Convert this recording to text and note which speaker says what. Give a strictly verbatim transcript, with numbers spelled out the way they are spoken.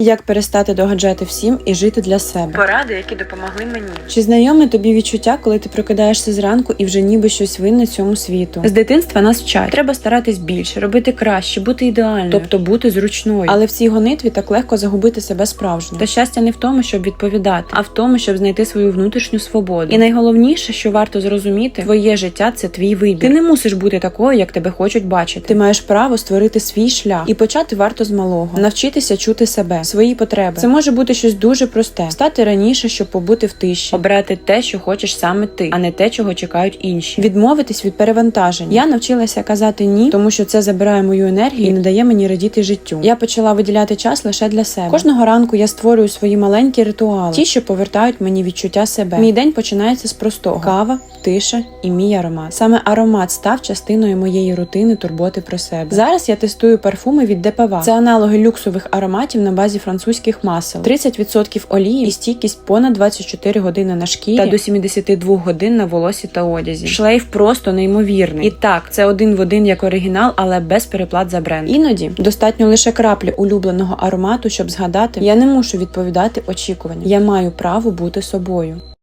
Speaker 1: Як перестати догаджати всім і жити для себе.
Speaker 2: Поради, які допомогли мені.
Speaker 1: Чи знайоме тобі відчуття, коли ти прокидаєшся зранку і вже ніби щось винне цьому світу? З дитинства нас вчать. Треба старатись більше, робити краще, бути ідеальною, тобто бути зручною. Але в цій гонитві так легко загубити себе справжньо. Та щастя не в тому, щоб відповідати, а в тому, щоб знайти свою внутрішню свободу. І найголовніше, що варто зрозуміти, твоє життя – це твій вибір. Ти не мусиш бути такою, як тебе хочуть бачити. Ти маєш право створити свій шлях. І почати варто з малого. Навчитися чути себе, свої потреби. Це може бути щось дуже просте. Встати раніше, щоб побути в тиші. Обрати те, що хочеш саме ти, а не те, чого чекають інші. Відмовитись від перевантажень. Я навчилася казати ні, тому що це забирає мою енергію і не дає мені радіти життю. Я почала виділяти час лише для себе. Кожного ранку я створюю свої маленькі ритуали. Ті, що повертають мені відчуття себе. Мій день починається з простого. Кава, тиша і мій аромат. Саме аромат став частиною моєї рутини турботи про себе. Зараз я тестую парфуми від Депава. Це аналоги люксових ароматів на базі французьких масел. тридцять відсотків олії і стійкість понад двадцять чотири години на шкірі та до сімдесят два годин на волосі та одязі. Шлейф просто неймовірний. І так, це один в один як оригінал, але без переплат за бренд. Іноді достатньо лише краплі улюбленого аромату, щоб згадати: я не мушу відповідати очікуванням. Я маю право бути собою.